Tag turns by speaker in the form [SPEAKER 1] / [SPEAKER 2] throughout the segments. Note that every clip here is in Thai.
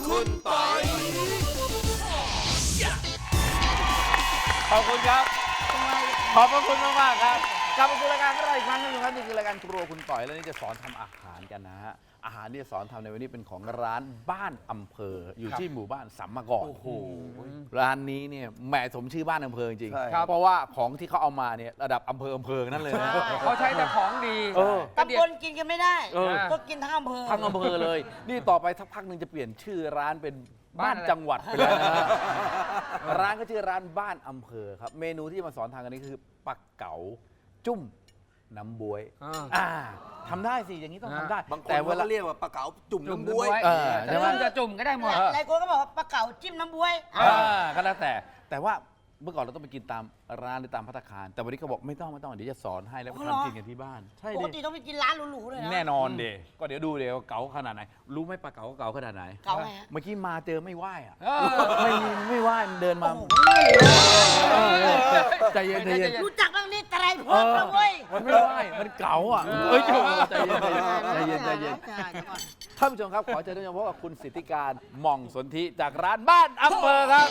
[SPEAKER 1] คุณปอย
[SPEAKER 2] ขอบคุณครับ ขอบพระคุณมากๆครับกลับมาสู่รายการของเราอีกครั้งนึงครับนี่คือรายการครัวคุณต่อยแล้วนี่จะสอนทำอาหารกันนะฮะอาหารที่จะสอนทำในวันนี้เป็นของร้านบ้านอำเภออยู่ที่หมู่บ้านสัมมะกอก
[SPEAKER 1] โอ้โห
[SPEAKER 2] ร้านนี้เนี่ยแหมสมชื่อบ้านอำเภอจริง
[SPEAKER 1] ใช่
[SPEAKER 2] เพราะว่าของที่เขาเอามาเนี่ยระดับอำเภอนั่นเลยนะ
[SPEAKER 3] เขาใช้แต่ของดี
[SPEAKER 4] ตำบลกินกันไม่ได้
[SPEAKER 2] เออ
[SPEAKER 4] ก็กินทั้งอำเภอ
[SPEAKER 2] ทั้งอำเภอเลย นี่ต่อไปสักพักหนึ่งจะเปลี่ยนชื่อร้านเป็นบ้านจังหวัดไปแล้วนะฮะร้านก็ชื่อร้านบ้านอำเภอครับเมนูที่มาสอนทางกันนี้คือปักเก๋าจุ้มน้ำบวยทำได้สิอย่างนี้ต้องทำได้
[SPEAKER 1] บางคน
[SPEAKER 2] แต่
[SPEAKER 1] เขา
[SPEAKER 2] เวลา
[SPEAKER 1] ก็เรียกว่าปลาเก๋าจุ่ม
[SPEAKER 3] จุ่ม
[SPEAKER 1] น้ำบ๊วย
[SPEAKER 2] เออใช่ไหม
[SPEAKER 3] จะจุ่มก็ได้หมด
[SPEAKER 4] หลายคนก็บอกว่าปลาเก๋าจิ้มน้ำบ๊วย
[SPEAKER 2] ก็แล้วแต่ว่าเมื่อก่อนเราต้องไปกินตามร้านหรือตามภัตตาคารแต่วันนี้เขาบอกไม่ต้องเดี๋ยวจะสอนให้แล้วก็ทำกินกันที่บ้านใช่
[SPEAKER 4] ปก
[SPEAKER 2] ดิ
[SPEAKER 4] ติต้องไปกินร้านหรูๆเลยนะ
[SPEAKER 2] แน่นอนเดก็เดี๋ยวดูเดี๋ยวเก๋าขนาดไหนรู้ไหมปลาเก๋าเก๋าขนาดไหน
[SPEAKER 4] เก๋าไงฮะ
[SPEAKER 2] เมื่อกี้มาเจอไม่ไหวอ่ะ
[SPEAKER 3] เออ
[SPEAKER 2] ไม่ไหวมันเดินมา
[SPEAKER 4] โอ้โห
[SPEAKER 2] ใจเย็นใจเย็น
[SPEAKER 4] รู้จักบ้างนี่ไตรภพนะเว้ย
[SPEAKER 2] มันไม่ไหวมันเก๋าอ่ะเอ้ยใจเย็นใจเย็นใจเย็นท่านผู้ชมครับขอเชิญท่านผู้ชมพบกับคุณสิทธิการหม่องสนธิจากร้านบ้านอำเภอครับ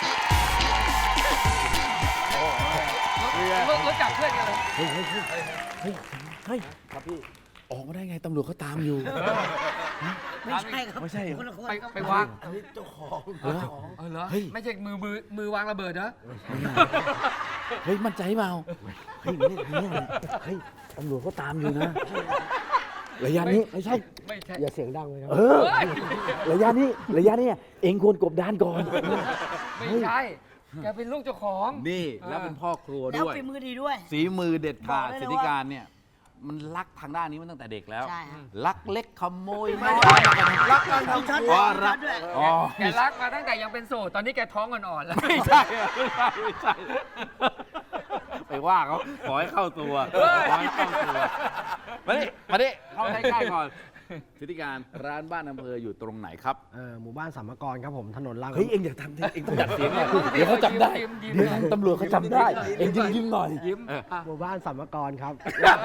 [SPEAKER 3] รู้จักเพื่อนกันเลย
[SPEAKER 2] เฮ้ยครับพี่ออกมาได้ไงตำรวจเขาตามอยู่
[SPEAKER 4] ไม่ใช่ครับ
[SPEAKER 2] ไม่ใช่เหรอ
[SPEAKER 4] คนละคน
[SPEAKER 3] ไปวาง
[SPEAKER 1] อันนี้เจ้าของ
[SPEAKER 3] เหรอ
[SPEAKER 2] เฮ้ย
[SPEAKER 3] ไม่ใช่มือวางระเบิดนะ
[SPEAKER 2] เฮ้ยมั่นใจเปล่าเฮ้ยเฮ้ยตำรวจเขาตามอยู่นะระยะนี้ไม่ใช่
[SPEAKER 3] ไม่ใช่
[SPEAKER 5] อย่าเสียงดังเลยครับ
[SPEAKER 2] ระยะนี้เองควรกบดานก่อน
[SPEAKER 3] ไม่ใช่ แกเป็นลูกเจ้าของ
[SPEAKER 2] นี่แล้วเป็นพ่อครัว
[SPEAKER 4] แล้ว
[SPEAKER 2] ด้วย
[SPEAKER 4] ฝีมือดีด้วย
[SPEAKER 2] ฝีมือเด็ดขาด
[SPEAKER 4] บอกได้เลย
[SPEAKER 2] สิทธิการเนี่ยมันรักทางด้านนี้มาตั้งแต่เด็กแล้ว
[SPEAKER 4] ใช่ฮะ
[SPEAKER 2] รักเล็กขโมยน้อย
[SPEAKER 1] รักการ
[SPEAKER 4] มี
[SPEAKER 1] ทำ
[SPEAKER 4] ช็อต
[SPEAKER 1] ครัว
[SPEAKER 4] ด้วยมีช็อตด้วย
[SPEAKER 2] อ๋อ
[SPEAKER 3] แกรักมาตั้งแต่ยังเป็นโสด ตอนนี้แกท้องอ่อนๆแล้ว
[SPEAKER 2] ไม่ใช่ไปว่าเขาขอให้เข้าตัวขอให้เข้าตัวมาดิเข้าใกล้ๆก่อนสิทธิการร้านบ้านอำเภออยู่ตรงไหนครับ
[SPEAKER 5] หมู่บ้านสัมมกรครับผมถนนล่าง
[SPEAKER 2] เฮ้ยเอ็งอย่าทำเอ็งต้องจัดเสียงเนี่ยเดี๋ยวเขาจำได้
[SPEAKER 3] ยิ้ม
[SPEAKER 2] เดี๋ยวทางตำรวจเขาจำได้เอ็งยิ้มหน่อย
[SPEAKER 3] ยิ้ม
[SPEAKER 5] หมู่บ้านสัมมกรครับ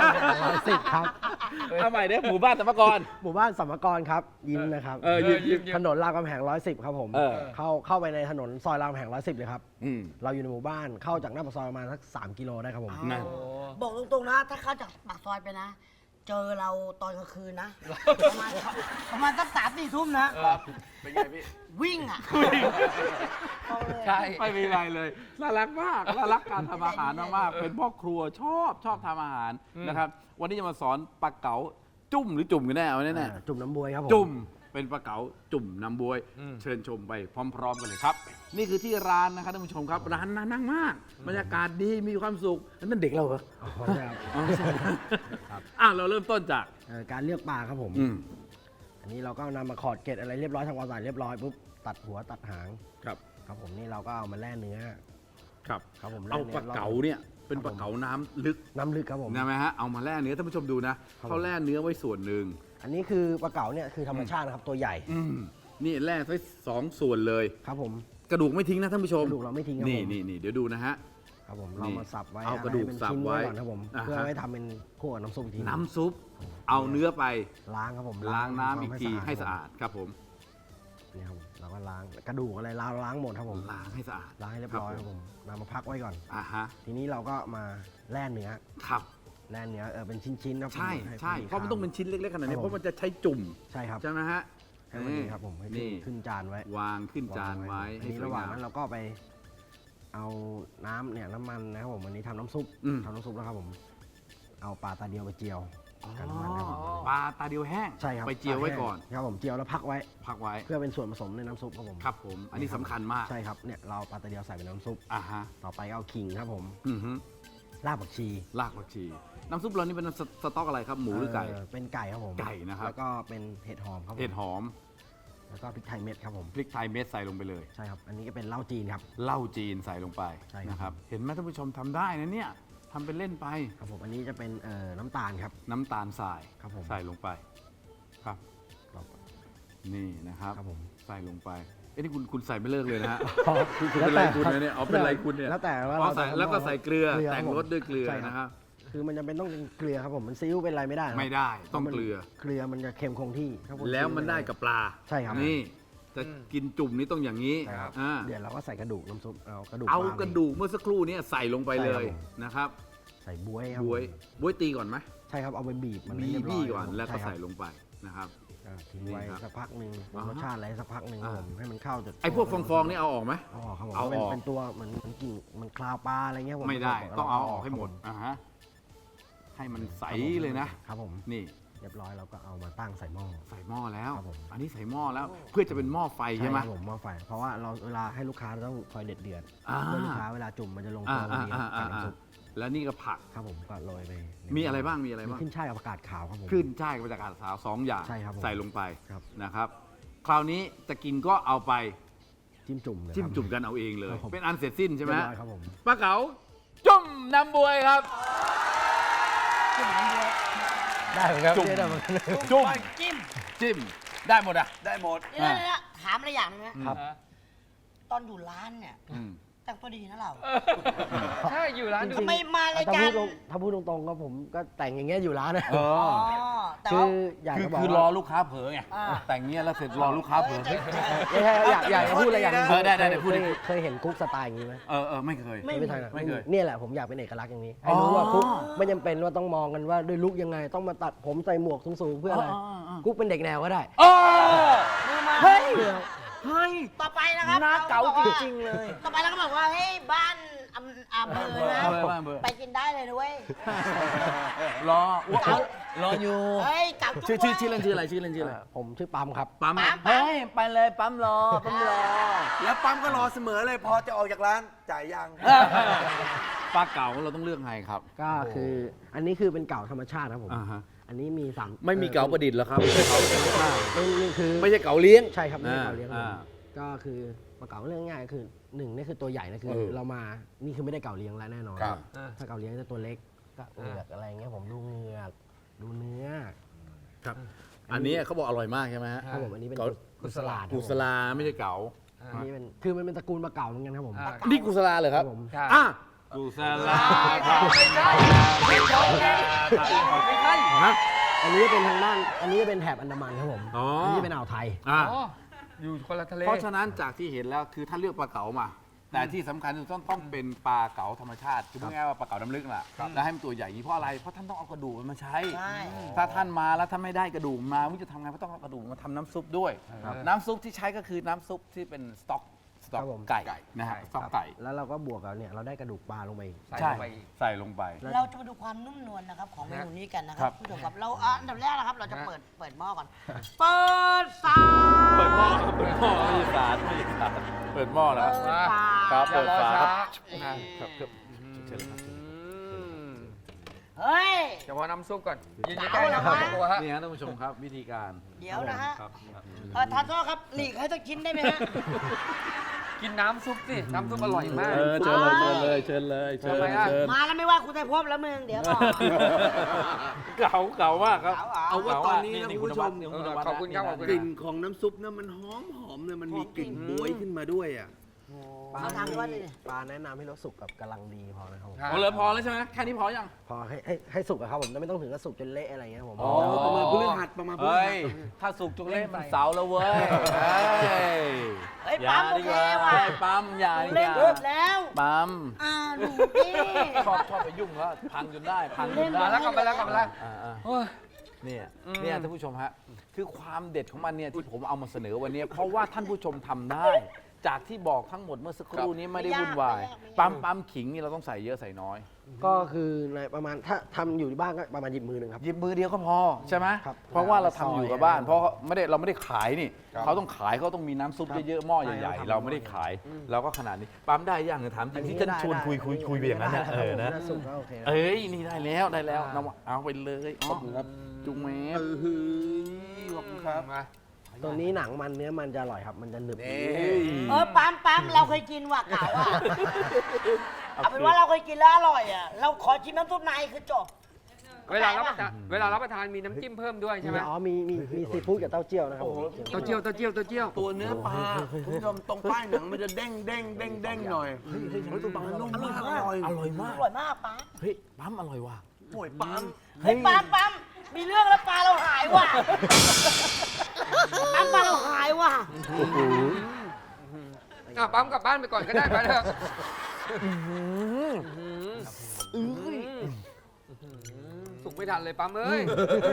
[SPEAKER 5] 110ครับ
[SPEAKER 2] เอาใหม่เด้หมู่บ้านสัมภากร
[SPEAKER 5] หมู่บ้านสัมมกรครับยิ้มนะครับ
[SPEAKER 2] ยิ้ม
[SPEAKER 5] ถนนรามคำแหง110ครับผม เข้าไปในถนนซอยรามคำแหง110เลยครับ เราอยู่ในหมู่บ้านเข้าจากหน้าปากซอยประมาณสัก3 กิโลได้ครับผม
[SPEAKER 2] นั่น
[SPEAKER 4] บอกตรงๆนะ ถ้าเข้าจากปากซอยไปนะ เจอเราตอนกลางคืนนะ ประมาณสัก3-4 ทุ่มนะ
[SPEAKER 1] เป็นไงพี่
[SPEAKER 4] วิ่งอ่ะ
[SPEAKER 3] ใช่
[SPEAKER 2] ไม่มีอะไรเลยน่ารักมากน่ารักการทำอาหารมากๆเป็นพ่อครัวชอบทำอาหารนะครับวันนี้จะมาสอนปลาเก๋าจุ่มหรือจุ่มกันแน่เอาแน่
[SPEAKER 5] จุ่มน้ำบวยครับผม
[SPEAKER 2] จุ่มเป็นปลาเก๋าจุ่มน้ำบวย เชิญชมไปพร้อมๆกันเลยครับ นี่คือที่ร้านนะครับท่านผู้ชมครับร้านน่านั่งมากบรรยากาศดีมีความสุขนั่นเด็กเราเหรอ
[SPEAKER 5] อ๋อใช่ครับ
[SPEAKER 2] อ๋อใช่
[SPEAKER 5] ครับ
[SPEAKER 2] เราเริ่มต้นจาก
[SPEAKER 5] การเลือกปลาครับผม
[SPEAKER 2] อืม
[SPEAKER 5] อันนี้เราก็นำมาขอดเกล็ดอะไรเรียบร้อยทำความสะอาดเรียบร้อยปุ๊บตัดหัวตัดหาง
[SPEAKER 2] ครับ
[SPEAKER 5] ครับผมนี่เราก็เอามาแล่เนื้อ
[SPEAKER 2] ครับ
[SPEAKER 5] ครับผมแ
[SPEAKER 2] เอาปลาเก๋าเนี่ยเป็นปลาเก๋าน้ำลึก
[SPEAKER 5] น้ำลึกครับผม
[SPEAKER 2] นะไหมฮะเอามาแล่เนื้อท่านผู้ชมดูนะครับ เขาแล่เนื้อไว้ส่วนหนึ่ง
[SPEAKER 5] อันนี้คือปลาเก๋าเนี่ยคือธรรมชาตินะครับตัวใหญ่
[SPEAKER 2] นี่แล่ไว้2 ส่วนเลย
[SPEAKER 5] ครับผม
[SPEAKER 2] กระดูกไม่ทิ้งนะท่านผู้ชม
[SPEAKER 5] กระดูกเราไม่ทิ้งครับ
[SPEAKER 2] นี่
[SPEAKER 5] ผม
[SPEAKER 2] นี่เดี๋ยวดูนะฮะ
[SPEAKER 5] ครับผม
[SPEAKER 2] นี่
[SPEAKER 5] เรามาสับไว้
[SPEAKER 2] เอากระดูก
[SPEAKER 5] ให้เป็น
[SPEAKER 2] สับ
[SPEAKER 5] ชิ้น
[SPEAKER 2] ไว้
[SPEAKER 5] ก่อนครับผม
[SPEAKER 2] อ่าฮะ
[SPEAKER 5] เพื่อไว้ทำเป็นคั่วกับน้ำส้มอีกที
[SPEAKER 2] น้ำซุปเอาเนื้อไป
[SPEAKER 5] ล้างครับผม
[SPEAKER 2] ล้างน้ำอีกทีให้สะอาดครับผม
[SPEAKER 5] นี่ครับผมเราก็ล้างกระดูกอะไรเราล้างหมดครับผม
[SPEAKER 2] ล้างให้สะอาด
[SPEAKER 5] ล้างให้เรียบร้อยครับผมนำมาพักไว้ก่อน
[SPEAKER 2] อ่าฮะ
[SPEAKER 5] ทีนี้เราก็มาแล่เนื้อ
[SPEAKER 2] ครับ
[SPEAKER 5] แล่เนื้อเป็นชิ้นๆครับผม
[SPEAKER 2] ใช่
[SPEAKER 5] ห้
[SPEAKER 2] ใช่
[SPEAKER 5] พอดี
[SPEAKER 2] เพราะมันต้องเป็นชิ้นเล็กๆขนาดนี้
[SPEAKER 5] ครับ
[SPEAKER 2] เพราะมันจะใช้จุ่ม
[SPEAKER 5] ใช่ครับ
[SPEAKER 2] ใช่ไหมฮะ
[SPEAKER 5] ให้มันดีครับผมให้
[SPEAKER 2] นี่
[SPEAKER 5] ขึ้นจานไว้
[SPEAKER 2] วางขึ้นจานไว้
[SPEAKER 5] อัน
[SPEAKER 2] ให้
[SPEAKER 5] นี้
[SPEAKER 2] สวย
[SPEAKER 5] ระหว่าง
[SPEAKER 2] งาม
[SPEAKER 5] นั้นเราก็ไปเอาน้ำเนี่ยน้ำมันนะครับผมวันนี้ทำน้ำซุป
[SPEAKER 2] ม
[SPEAKER 5] ทำน้ำซุปแล้วครับผมเอาปลาตาเดียวไปเจียวกับน้ำมันครับผม
[SPEAKER 2] ปลาตาเดียวแห้ง
[SPEAKER 5] ใช่ครับ
[SPEAKER 2] ไปเจียวไว้ก่อน
[SPEAKER 5] ครับผมเจียวแล้วพักไว้
[SPEAKER 2] พักไว้
[SPEAKER 5] เพื่อเป็นส่วนผสมในน้ำซุปครับผม
[SPEAKER 2] ครับผม อันนี้สำคัญมาก
[SPEAKER 5] ใช่ครับเนี่ยเราปลาตะเดียวใส่เป็นน้ำซุป
[SPEAKER 2] อ่าฮะ
[SPEAKER 5] ต่อไปเอาขิงครับผม
[SPEAKER 2] อือฮึ
[SPEAKER 5] รากผักชี
[SPEAKER 2] รากผักชี น้ำซุปเรานี่เป็นสต๊อกอะไรครับ หมูหรือไก่
[SPEAKER 5] เป็นไก่ครับผม
[SPEAKER 2] ไก่นะครับ
[SPEAKER 5] แล้วก็เป็นเห็ดหอมครับผม
[SPEAKER 2] เห็ดหอม
[SPEAKER 5] แล้วก็พริกไทยเม็ดครับผม
[SPEAKER 2] พริกไทยเม็ดใส่ลงไปเลย
[SPEAKER 5] ใช่ครับอันนี้ก็เป็นเหล้าจีนครับ
[SPEAKER 2] เหล้าจีนใส่ลงไป
[SPEAKER 5] ใช่ครับ
[SPEAKER 2] นะครับ เห็นไหมท่านผู้ชมทำได้นะเนี่ยทำเป็นเล่นไป
[SPEAKER 5] ครับผมอันนี้จะเป็นน้ำตาลครับ
[SPEAKER 2] น้ำตาลทราย
[SPEAKER 5] ครับผม
[SPEAKER 2] ใส่ลงไป ครับ
[SPEAKER 5] ครับ
[SPEAKER 2] นี่นะครับ
[SPEAKER 5] ครับผม
[SPEAKER 2] ใส่ลงไป เอ้นี่คุณใส่ไม่เลิกเลยนะฮะ
[SPEAKER 5] อ๋อ
[SPEAKER 2] คุณเป็นไรคุณเนี่ยเอาเป็นไรคุณเนี่ย
[SPEAKER 5] แล้วแต่ว่า
[SPEAKER 2] อ๋อใส่
[SPEAKER 5] เราจะ
[SPEAKER 2] แล้วก็ใส่เกลือ
[SPEAKER 5] เกลือ
[SPEAKER 2] แต่ง
[SPEAKER 5] ครับผม
[SPEAKER 2] รสด้วยเกลือ
[SPEAKER 5] ใช่ครับ
[SPEAKER 2] นะครับ
[SPEAKER 5] คือมันจะเป็นต้องเป็นเกลือครับผมมันซีอิ๊วเป็นอะไรไม่ได้ครับ
[SPEAKER 2] ไม่ได้ต้องเกลือ
[SPEAKER 5] เกลือมันจะเค็มคงที่ครับผ
[SPEAKER 2] แล้วมันได้กับปลา
[SPEAKER 5] ใช่ครับ
[SPEAKER 2] นี่จะกินจุ่มนี้ต้องอย่างนี้
[SPEAKER 5] ครับ
[SPEAKER 2] อ่า
[SPEAKER 5] เดี๋ยวเราก็ใส่กระดูกน้ำซุปเอากระดูก
[SPEAKER 2] เอา
[SPEAKER 5] ปล
[SPEAKER 2] กระดูกเมื่อสักครู่นี้ใส่ลงไปเลย
[SPEAKER 5] ใช่ครับผม
[SPEAKER 2] นะครับ
[SPEAKER 5] ใส่บ๊วยครับ
[SPEAKER 2] บ๊วย
[SPEAKER 5] ผม
[SPEAKER 2] บ๊วยตีก่อนไหม
[SPEAKER 5] ใช่ครับเอาไปบีบมันให้
[SPEAKER 2] บี
[SPEAKER 5] เรียบร้
[SPEAKER 2] บี้
[SPEAKER 5] อย
[SPEAKER 2] ก่อนแล้วก็
[SPEAKER 5] ช่ครับ
[SPEAKER 2] ใส่ลงไปนะครับ
[SPEAKER 5] ทิ้งไว้
[SPEAKER 2] นี่ครับ
[SPEAKER 5] สักพักหนึ่ง
[SPEAKER 2] อ่าฮะ
[SPEAKER 5] รสชาติอะไรสักพักหนึ่งครับผมให้มันเข้าจน
[SPEAKER 2] ไอ้พวกฟองๆนี่เอาออกไหม
[SPEAKER 5] เอาออกครับผม
[SPEAKER 2] เอาออก
[SPEAKER 5] เป็นตัวเหมือนกลิ่นมันคลาวปลาอะไรเงี้ยผม
[SPEAKER 2] ไม่ได้ต้องเอาออกให้หมด
[SPEAKER 5] ครับ
[SPEAKER 2] อ่าฮะให้มันใสเลยนะ
[SPEAKER 5] ครับผม
[SPEAKER 2] นี่
[SPEAKER 5] เรียบร้อยเราก็เอามาตั้งใส่หม้อ
[SPEAKER 2] ใส่หม้อแล้ว
[SPEAKER 5] ครับผม
[SPEAKER 2] อันนี้ใส่หม้อแล้ว เพื่อจะเป็นหม้อไฟใช่ไหม
[SPEAKER 5] ครับผมหม้อไฟเพราะว่าเราเวลาให้ลูกค้าเราต้องคอยเดือด
[SPEAKER 2] อ่า
[SPEAKER 5] เพื่อลูกค้าเวลาจุ่มมันจะลง
[SPEAKER 2] อ่า
[SPEAKER 5] ตัวพอ
[SPEAKER 2] อ่า
[SPEAKER 5] ดี
[SPEAKER 2] อ่า
[SPEAKER 5] กับน้ำซุป
[SPEAKER 2] แล้วนี่ก็ผัก
[SPEAKER 5] ครับผมก็โรยไป
[SPEAKER 2] มีอะไรบ้างมีอะไร
[SPEAKER 5] มี
[SPEAKER 2] บ้าง
[SPEAKER 5] ขึ้นช่ายกับผักกาดขาวครับผม
[SPEAKER 2] ขึ้นช่ายกับจากอาสาว2อย่าง
[SPEAKER 5] ใช่ครับผม
[SPEAKER 2] ใส่ลงไป
[SPEAKER 5] ครับ
[SPEAKER 2] นะครับ คราวนี้จะกินก็เอาไป
[SPEAKER 5] จิ้มจุ่มเลย
[SPEAKER 2] จิ้ม
[SPEAKER 5] ครับ
[SPEAKER 2] จุ่มกันเอาเองเลย
[SPEAKER 5] ครับผม
[SPEAKER 2] เป็นอันเสร็จสิ้นใช่ไหม
[SPEAKER 5] เรียบร้อยครับผม
[SPEAKER 2] ปลาเก๋าจุ่มน้ำบวยครับ
[SPEAKER 5] ได้เหมือนกัน
[SPEAKER 2] จุ่ม
[SPEAKER 5] ได้เหมือนกัน
[SPEAKER 2] จุ่ม
[SPEAKER 4] จิ้ม
[SPEAKER 2] จิ้มได้หมดอ่ะ
[SPEAKER 1] ได้หมด
[SPEAKER 4] เดี๋ยวๆถามอะไรอย่างหนึงนะครับ
[SPEAKER 3] อ่ะ
[SPEAKER 4] ตอนอยู่ร้านเนี่ย
[SPEAKER 2] อืม
[SPEAKER 4] แต่งตัวดีนะเรา
[SPEAKER 3] ใช่อยู่ร้านดู
[SPEAKER 4] ทำไมมาราย
[SPEAKER 5] ถ้า
[SPEAKER 4] การ
[SPEAKER 5] พูดตรงๆก็ผมก็แต่งอย่างเงี้ยอยู่ร้านนะ
[SPEAKER 2] เอ
[SPEAKER 4] อ๋อ
[SPEAKER 2] อ
[SPEAKER 4] แต่
[SPEAKER 5] คื
[SPEAKER 4] ว่า
[SPEAKER 5] ออยาก
[SPEAKER 2] คือ
[SPEAKER 5] จะบอก
[SPEAKER 2] คือรอ
[SPEAKER 5] ว่า
[SPEAKER 2] ลูกค้าเผลอไง
[SPEAKER 4] อ่า
[SPEAKER 2] แต่งเงี้ยแล้วเสร็จรอลูกค้าเผลอเฮ้ย
[SPEAKER 5] ไม่ใช่อยากจะพูดอะไรอย่างหนึง
[SPEAKER 2] เออได้พูดดิ
[SPEAKER 5] เคยเห็นคุกสไตล์อย่างนี้ไหม
[SPEAKER 2] เออไม่เคย
[SPEAKER 5] ไม่ใช่นะ
[SPEAKER 2] ไม่เคย
[SPEAKER 5] เนี่ยแหละผมอยากเป็นเอกลักษณ์อย่างนี้
[SPEAKER 2] อ๋
[SPEAKER 5] ให้
[SPEAKER 2] อ
[SPEAKER 5] รู้ว่าคุกไม่จำเป็นว่าต้องมองกันว่าด้วยลุกยังไงต้องมาตัดผมใส่หมวกสูงๆเพื่ออะไร กุ๊กเป็นเด็กแนวก็ได้
[SPEAKER 2] อ๋อ
[SPEAKER 4] มือมา
[SPEAKER 5] เฮ้ย
[SPEAKER 4] ต่อไปนะครับ
[SPEAKER 5] หน้าเก๋า
[SPEAKER 4] บอกว่
[SPEAKER 5] จริงๆเลย
[SPEAKER 4] ต่อไปเราก็บอกว่าเฮ้ยบ้านอำเภอนะ
[SPEAKER 2] บ้านเบอร์
[SPEAKER 4] ไปกินได้เลยนะเว้ย
[SPEAKER 2] รอรออยู่
[SPEAKER 4] เฮ้ยเก๋าจุ๊บ
[SPEAKER 2] ชื่อเล่นชื่ออะไรชื่อเล่นชื่ออะไร
[SPEAKER 5] ผมชื่อปั๊มครับ
[SPEAKER 2] ปั๊ม
[SPEAKER 4] เฮ้ย
[SPEAKER 2] ไปเลยปั๊มรอปั๊มรอ
[SPEAKER 1] แล้วปั๊มก็รอเสมอเลยพอจะออกจากร้านจ่ายยัง
[SPEAKER 2] ปลาเก๋าเราต้องเลือกไงครับ
[SPEAKER 5] ก็คืออันนี้คือเป็นเก่าธรรมชาติครับผม
[SPEAKER 2] อ่าฮะ
[SPEAKER 5] อันนี้มีสาม
[SPEAKER 2] ไม่มีเก๋าประดิษฐ์แล้วครับ
[SPEAKER 5] นี่คือ
[SPEAKER 2] ไม่ใช่เก๋าเลี้ยง
[SPEAKER 5] ใช่ครับไม่ใช่เก่าเลี้ยงครับ
[SPEAKER 2] อ่า
[SPEAKER 5] ก็คือปลาเก๋าเรื่องง่ายๆคือหนึ่งนี่คือตัวใหญ่นะคือ
[SPEAKER 2] เออ
[SPEAKER 5] เรามานี่คือไม่ได้เก่าเลี้ยงแล้วแน่นอน
[SPEAKER 1] ครับ
[SPEAKER 5] ถ้าเก่าเลี้ยงจะตัวเล็กก็เอือกอะไรเงี้ยผมดูเหงือกดูเนื้อ
[SPEAKER 2] ครับ อันนี้เขาบอกอร่อยมากใช่ไหมฮะ
[SPEAKER 5] ครับผมอันนี้เป็น
[SPEAKER 2] เก๋า
[SPEAKER 5] กุศลาดครับ
[SPEAKER 2] กุศลาไม่ใช่เก๋า
[SPEAKER 5] อันนี้เป็นคือมันเป็นตระกูลปลาเก๋าเหมือนกันครับผม
[SPEAKER 3] อ่า
[SPEAKER 2] นี่กุศลาเลยครับ
[SPEAKER 5] ครับผม
[SPEAKER 3] ใช่
[SPEAKER 2] อ่ะกุศลาครับ
[SPEAKER 3] ไม่ใช่ไม่ใช่ไม่ใช่
[SPEAKER 2] ฮะ
[SPEAKER 5] อันนี้เป็นทางด้านอันนี้เป็นแถบอันดามันครับผม
[SPEAKER 2] อ๋ออั
[SPEAKER 5] อันนี้เป็นอ่าวไทย
[SPEAKER 2] อ่ะ
[SPEAKER 3] อ๋ออยู่คนละทะเล
[SPEAKER 2] เพราะฉะนั้นจากที่เห็นแล้วคือถ้าเลือกปลาเก๋ามา แต่ที่สำคัญคือต้องเป็นปลาเก๋าธรรมชาติคือพูดง่ายๆว่าปลาเก๋าน้ำลึกน่ะแล้วให้มันตัวใหญ่อย่างนี้เพราะอะไรเพราะท่านต้องเอากระดูกมันมาใช้
[SPEAKER 4] ใช่
[SPEAKER 2] ถ้าท่านมาแล้วท่านไม่ได้กระดูกมาไม่รู้จะทำไงเพราะต้องเอากระดูกมาทำน้ำซุปด้วย น้ำซุปที่ใช้ก็คือน้ำซุปที่เป็นสต๊อก
[SPEAKER 5] ครับผม
[SPEAKER 2] ไก่นะฮะสต๊อกไก่
[SPEAKER 5] แล้วเราก็บวกกับเนี่ยเราได้กระดูกปลาลงไปอีก
[SPEAKER 3] ใส่
[SPEAKER 2] ใช่
[SPEAKER 3] ลงไปอีก
[SPEAKER 2] ใส่ลงไป
[SPEAKER 4] เราจะมาดูความนุ่มนวลนะครับของเมนูนี้กันนะค
[SPEAKER 2] ครั
[SPEAKER 4] รั
[SPEAKER 2] บบ
[SPEAKER 4] ผู้ชมครับเราอันดับแรกนะครับ เราจะ
[SPEAKER 3] ฮะ
[SPEAKER 4] เปิดหม้อก่อน เปิดฝา
[SPEAKER 2] เปิดหม้อเปิดหม้อไม่ใช่สารไม่ใช่สารเปิดหม้อนะ
[SPEAKER 4] เปิดฝา
[SPEAKER 2] ครับ
[SPEAKER 3] อย่ารอช้า
[SPEAKER 4] นี่
[SPEAKER 2] ครับเชิญเลยครับ
[SPEAKER 4] เฮ้ย
[SPEAKER 3] เฉพาะน้ำซุปก่อนยืนใกล้ๆนะครับตัวฮะ
[SPEAKER 2] นี่ฮะท่านผู้ชมครับวิธีการ
[SPEAKER 4] เดี๋ยวนะฮะ
[SPEAKER 2] ครับ
[SPEAKER 4] ทานโทษครับหลีกให้สักชิ้นได้ไหมฮะ
[SPEAKER 3] กินน้ำซุปสิ น้ำซุปอร่อยมาก
[SPEAKER 2] เชิญเลยเชิญเลยเชิญเลย
[SPEAKER 3] ทำไมอ่ะ
[SPEAKER 2] เชิญ
[SPEAKER 4] มาแล้วไม่ว่าคุณไทยภพแล้วมึงเดี๋ยวก่อน
[SPEAKER 2] เก่ามากครับ
[SPEAKER 1] เอาว่าตอนนี้นะ
[SPEAKER 2] นี่
[SPEAKER 1] คุณผู้ชม
[SPEAKER 2] คุณนวัด
[SPEAKER 3] ขอบคุณครับขอบคุณ
[SPEAKER 1] กลิ่นของน้ำซุปเนี่ยมันหอมเลยมันมีกลิ่นบ๊วยขึ้นมาด้วยอ่ะ
[SPEAKER 4] เขาทำด้วยนี่
[SPEAKER 5] ปลาแนะนำให้เราสุกกับกำลังดีพอนะครับผม
[SPEAKER 3] ครับ
[SPEAKER 2] เอาเลยพอแล้วใช่ไหมแค่นี้พอยัง
[SPEAKER 5] พอให้สุกอะครับผมแต่ไม่ต้องถึงกับสุกจนเละอะไรเงี้ยผม
[SPEAKER 2] อ๋อ
[SPEAKER 1] ประมาณพฤหัสประมาณพฤ
[SPEAKER 2] เฮ้
[SPEAKER 1] หั
[SPEAKER 2] ย
[SPEAKER 1] ส
[SPEAKER 2] ถ้าสุกจุกเล่นมันเสาร์แล้วเว้ยเฮ้ย
[SPEAKER 4] เฮ้ย
[SPEAKER 2] อย่า
[SPEAKER 4] ปั๊มโอ
[SPEAKER 2] ดี
[SPEAKER 4] เค
[SPEAKER 2] กว่า
[SPEAKER 4] ว่ะ
[SPEAKER 2] เฮ้ยปั๊มอย่า
[SPEAKER 4] หนู
[SPEAKER 2] ดี
[SPEAKER 4] เล่น
[SPEAKER 2] ก
[SPEAKER 4] รู
[SPEAKER 2] ว่า
[SPEAKER 4] ปแล้ว
[SPEAKER 2] ปั๊ม
[SPEAKER 4] ดูดิ
[SPEAKER 2] ชอบไปยุ่งแล้วพังจนได้พังจนได้
[SPEAKER 3] มาแล้วกลับมาแล้วกลับมาแล้ว
[SPEAKER 2] อ่า
[SPEAKER 3] โอ้ย
[SPEAKER 2] เนี่ยเนี่ยท่านผู้ชมฮะคือความเด็ดของมันเนี่ยที่ผมเอามาเสนอวันนี้เพราะว่าท่านผู้ชมทำได้ จากที่บอกทั้งหมดเมื่อสักครู่นี้ไม่ได้วุ่นวายปั๊มขิงนี่เราต้องใส่เยอะใส่น้อย
[SPEAKER 5] ก็คือในประมาณถ้าทำอยู่ที่บ้านก็ประมาณหยิบมือหนึ่งครับ
[SPEAKER 2] หยิบมือเดียวก็พอใช่ไหม
[SPEAKER 5] ครับ
[SPEAKER 2] เพราะว่าเราทำอยู่กับบ้าน
[SPEAKER 5] ซอย
[SPEAKER 2] เพราะเราไม่ได้ขายนี่เขาต้องขายเขาต้องมีน้ำซุปเยอะๆหม้อใหญ่
[SPEAKER 5] ใช่
[SPEAKER 2] ๆเราไม่ได้ขายเราก็ขนาดนี้ปั๊มได้ยังถามจริงที่ท่านชวนคุยไปอย่างนั้นนะนะ
[SPEAKER 5] ถ้าสุกก็โอเคนะ
[SPEAKER 2] เอ้ยนี่ได้แล้วน้ำเอาไปเลยอ๋อจุงแม่
[SPEAKER 1] ขอบคุณครับ
[SPEAKER 3] มา
[SPEAKER 5] ตัวนี้หนังมันเนื้อมันจะอร่อยครับ มันจะหนึบ
[SPEAKER 4] ปั๊มเราเคยกินว่ะเก่าอ่ะเอาเป็นว่าเราเคยกินแล้วอร่อยอ่ะเราขอชิมน้ำซุปในคือจบ
[SPEAKER 3] เวลารับประทานมีน้ำจิ้มเพิ่มด้วยใช่ไหม
[SPEAKER 5] อ๋อมีซีฟู้ดกับเต้าเจี้ยวนะครับผม
[SPEAKER 3] เต้าเจี้ยวเต้าเจี้ยวเต้าเจี้ยว
[SPEAKER 1] ตัวเนื้อปลาคุณผู้ชมตรงป้ายหนังมันจะเด้งหน่อยเฮ้ยตัวปลานุ่มมากอร่อย
[SPEAKER 2] อร่อยมาก
[SPEAKER 4] อร่อยมากปั๊ม
[SPEAKER 2] เฮ้ยปั๊มอร่อยว่ะ
[SPEAKER 1] โอ้ยปั๊ม
[SPEAKER 4] เฮ้ยปั๊มมีเรื่องแล้วปลาเราหายว่ะปั๊มปลาเราหายว่ะ
[SPEAKER 3] ปั๊มกลับบ้านไปก่อนก็ได้ไปเถอะสุกไม่ทันเลยปั๊มเอ้ย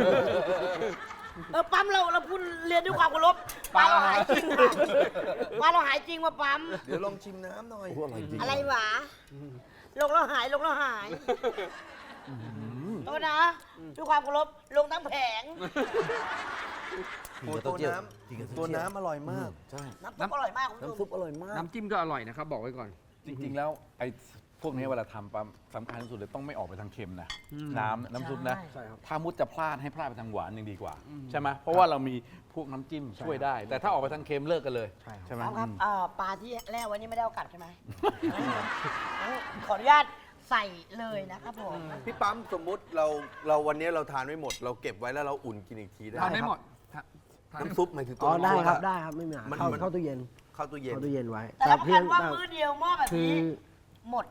[SPEAKER 4] ปั๊มเราพูดเรียนด้วยความเคารพปลาเราหายจริงว่ะปลาเราหายจริงว่ะปั๊ม
[SPEAKER 1] เดี๋ยวลองชิมน้ำหน่อย
[SPEAKER 4] อะไรหวะลงแล้วหายลงแล้วหายโทษนะด้วยความเคารพลงทั้งแผง
[SPEAKER 1] โอ้ตัวน้ำอร่อยมาก
[SPEAKER 2] ใช่
[SPEAKER 4] น้ำซุปอร่อยมากคุณผู้ช
[SPEAKER 1] น้ำซุ
[SPEAKER 4] ม
[SPEAKER 1] ปอร่อยมาก
[SPEAKER 3] น้ำจิ้มก็อร่อยนะครับบอกไว้ก่อน
[SPEAKER 2] จริงๆแล้วไอ้พวกนี้เวลาทำปั๊มสำคัญที่สุดเลยต้องไม่ออกไปทางเค็มนะน้ำซุปนะ
[SPEAKER 5] ใช่ครับ
[SPEAKER 2] ถ้ามุดจะพลาดให้พลาดไปทางหวานยังดีกว่า ใช่ไหมเพราะว่าเรามีพวกน้ำจิ้มช่วยได้ แต่ถ้าออกไปทางเค็มเลิกกันเลย
[SPEAKER 5] ใช่ครับ
[SPEAKER 2] ใช่ไหม
[SPEAKER 4] ครับปลาที่แล่ไว้นี่ไม่ได้เอากลับใช่ไหมงั้นขออนุญาตใส่เลยนะครับผม
[SPEAKER 1] พี่ปั๊มสมมุติเราวันนี้เราทานไม่หมด เราเก็บไว้แล้วเราอุ่นกินอีกทีได้
[SPEAKER 3] ทานไม่หมด
[SPEAKER 1] น้ำซุปหมายถึงตั
[SPEAKER 5] อ๋
[SPEAKER 1] ว
[SPEAKER 5] อได้
[SPEAKER 1] น้ำซุป
[SPEAKER 5] ครับ
[SPEAKER 1] อะ
[SPEAKER 5] ได้ครับไม่มีปัญหา
[SPEAKER 1] มัน
[SPEAKER 5] เข้าตู้เย็น
[SPEAKER 1] เข้าตู้เย็น
[SPEAKER 5] เข้าตู้เย็นไว้
[SPEAKER 4] แต่รับประกันว่า
[SPEAKER 5] แต่
[SPEAKER 4] มื้อเดียวหม้อแบบ
[SPEAKER 5] คือ
[SPEAKER 4] นี้หมด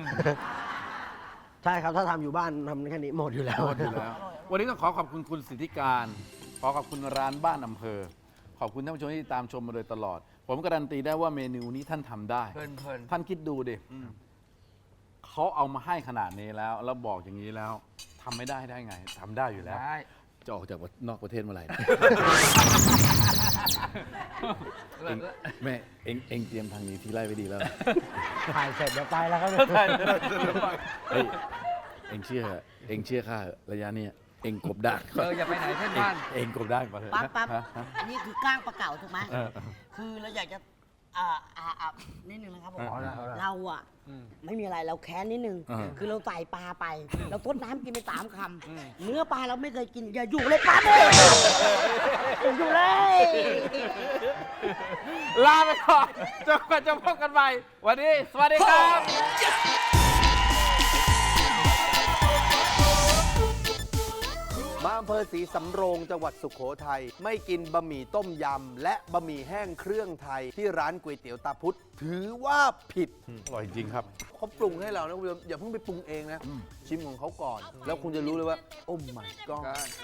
[SPEAKER 5] ใช่ครับถ้าทำอยู่บ้านทำแค่นี้หมดอยู่แล้ว
[SPEAKER 2] วันนี้ต้องขอขอบคุณคุณสิทธิการ ขอขอบคุณร้านบ้านอำเภอ ขอบคุณท่านผู้ชมที่ตามชมมาโดยตลอด ผมการันตีได้ว่าเมนูนี้ท่านทำได้
[SPEAKER 3] เพลิน
[SPEAKER 2] ท่านคิดดูดิเขาเอามาให้ขนาดนี้แล้วบอกอย่างนี้แล้วทำไม่ได้ได้ไงทำได้อยู่
[SPEAKER 3] ๆ
[SPEAKER 2] แล้ว
[SPEAKER 3] ได้
[SPEAKER 2] จะออกจากนอกประเทศเมื่อไหร่ แม่เอ็งเตรียมทางนี้ที่ไล่ไปดีแล้ว
[SPEAKER 5] ถ่ายเสร็จเดี๋ยวไปแล้วครับ
[SPEAKER 2] เฮ้ยเอ็งเชื่อข้าเหอะระยะเนี้ยเอ็งกบดานก่อน
[SPEAKER 3] อย่าไปไหนเพื่อนบ้าน
[SPEAKER 2] เอ็งกบดานก่อนเถอะ
[SPEAKER 4] ปั๊บ
[SPEAKER 2] ฮะฮะ
[SPEAKER 4] อันนี้คือก้างปลาเก๋าถูกไหม
[SPEAKER 2] เออ
[SPEAKER 4] คือเราอยากจะนิดนึงนะครับผม
[SPEAKER 2] เอาละ
[SPEAKER 4] เราอะไม่มีอะไรเราแค้นนิดนึง คือเราใส่ปลาไป เราทดน้ำกินไป3 คำเนื้อปลาเราไม่เคยกินอย่าอยู่เลยปั๊บเลยอย่าอยู่เลย
[SPEAKER 2] ลาไปก่อนจนกว่าจะพบกันใหม่วันนี้สวัสดีครับ
[SPEAKER 1] มาอำเภอศรีสำโรงจังหวัดสุโขทัยไม่กินบะหมี่ต้มยำและบะหมี่แห้งเครื่องไทยที่ร้านก๋วยเตี๋ยวตาพุธถือว่าผิด
[SPEAKER 2] อร่อยจริงครับ
[SPEAKER 1] เขาปรุงให้เรานะคุณผู้ชมอย่าเพิ่งไปปรุงเองนะ ชิมของเขาก่อน แล้วคุณจะรู้เลยว่า โอ้ my god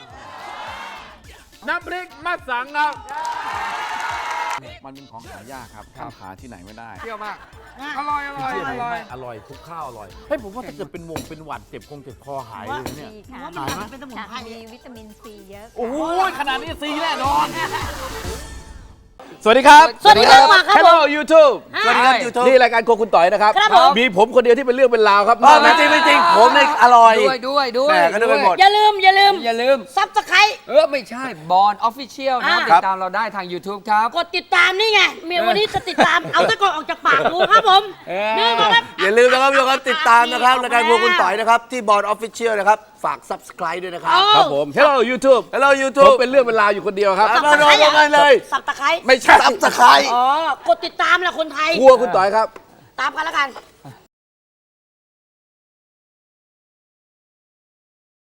[SPEAKER 2] น้ำพริกมัดสังครับมันเป็นของหายากครับข้าวหาที่ไหนไม่ได้
[SPEAKER 3] เที่ยวมาก อร่อยอร่อยอร่อย
[SPEAKER 2] อร่อยทุกข้าวอร่อยเฮ้ยผมว่าถ้าเกิดเป็นเป็นหวัดเจ็บคอหายเลยนะเนี่ย
[SPEAKER 6] ดีค่ะ
[SPEAKER 4] ว่ามันเป็นสมุนไพร
[SPEAKER 6] มีวิตามินซีเยอะ
[SPEAKER 2] โอ้โหขนาดนี้ซีแน่นอน สวัสดีครับ
[SPEAKER 4] สวัสดีครับมาครับผม
[SPEAKER 2] Hello YouTube
[SPEAKER 1] สวัสดีครับ YouTube
[SPEAKER 2] นี่รายการโครัวคุณต่อยนะครับ
[SPEAKER 4] ครับผม
[SPEAKER 2] มีผมคนเดียวที่เป็นเรื่องเป็นราวครับ
[SPEAKER 1] ไม่จริงไม่จริงผมเนี่ยอร่อย
[SPEAKER 3] ด้วย
[SPEAKER 1] แหม่ก็นึกไปหมด
[SPEAKER 4] อย่าลืม
[SPEAKER 3] อย่าลืม
[SPEAKER 4] ซับสไคร
[SPEAKER 3] ไม่ใช่บอลออฟฟิเชียลนะ
[SPEAKER 4] อ่า
[SPEAKER 3] ติดตามเราได้ทาง YouTube ครับ
[SPEAKER 4] กดติดตามนี่ไงเมียวันนี้จะติดตาม เอาตะกอนออกจากปากกูครับผมนี่ก็ครับ
[SPEAKER 1] อย่าลืมนะครับทุกคนติดตามนะครับรายการพวกคุณต่อยนะครับ ที่บอร์ดออฟฟิเชียลนะครับ ฝาก subscribe ด้วยนะครับ
[SPEAKER 2] ครับผม Hello YouTube
[SPEAKER 1] Hello
[SPEAKER 2] ผม
[SPEAKER 1] YouTube
[SPEAKER 2] เป็นเรื่องเป็นราวอยู่คนเดียวครับ
[SPEAKER 1] มาโดนกันเลย
[SPEAKER 4] สับตะไคร้
[SPEAKER 2] ไม่ใช่
[SPEAKER 1] subscribe
[SPEAKER 4] อ๋อกดติดตามแหละคนไทย
[SPEAKER 2] ครัวคุณต่อยครับ
[SPEAKER 4] ตามกันแล้วกัน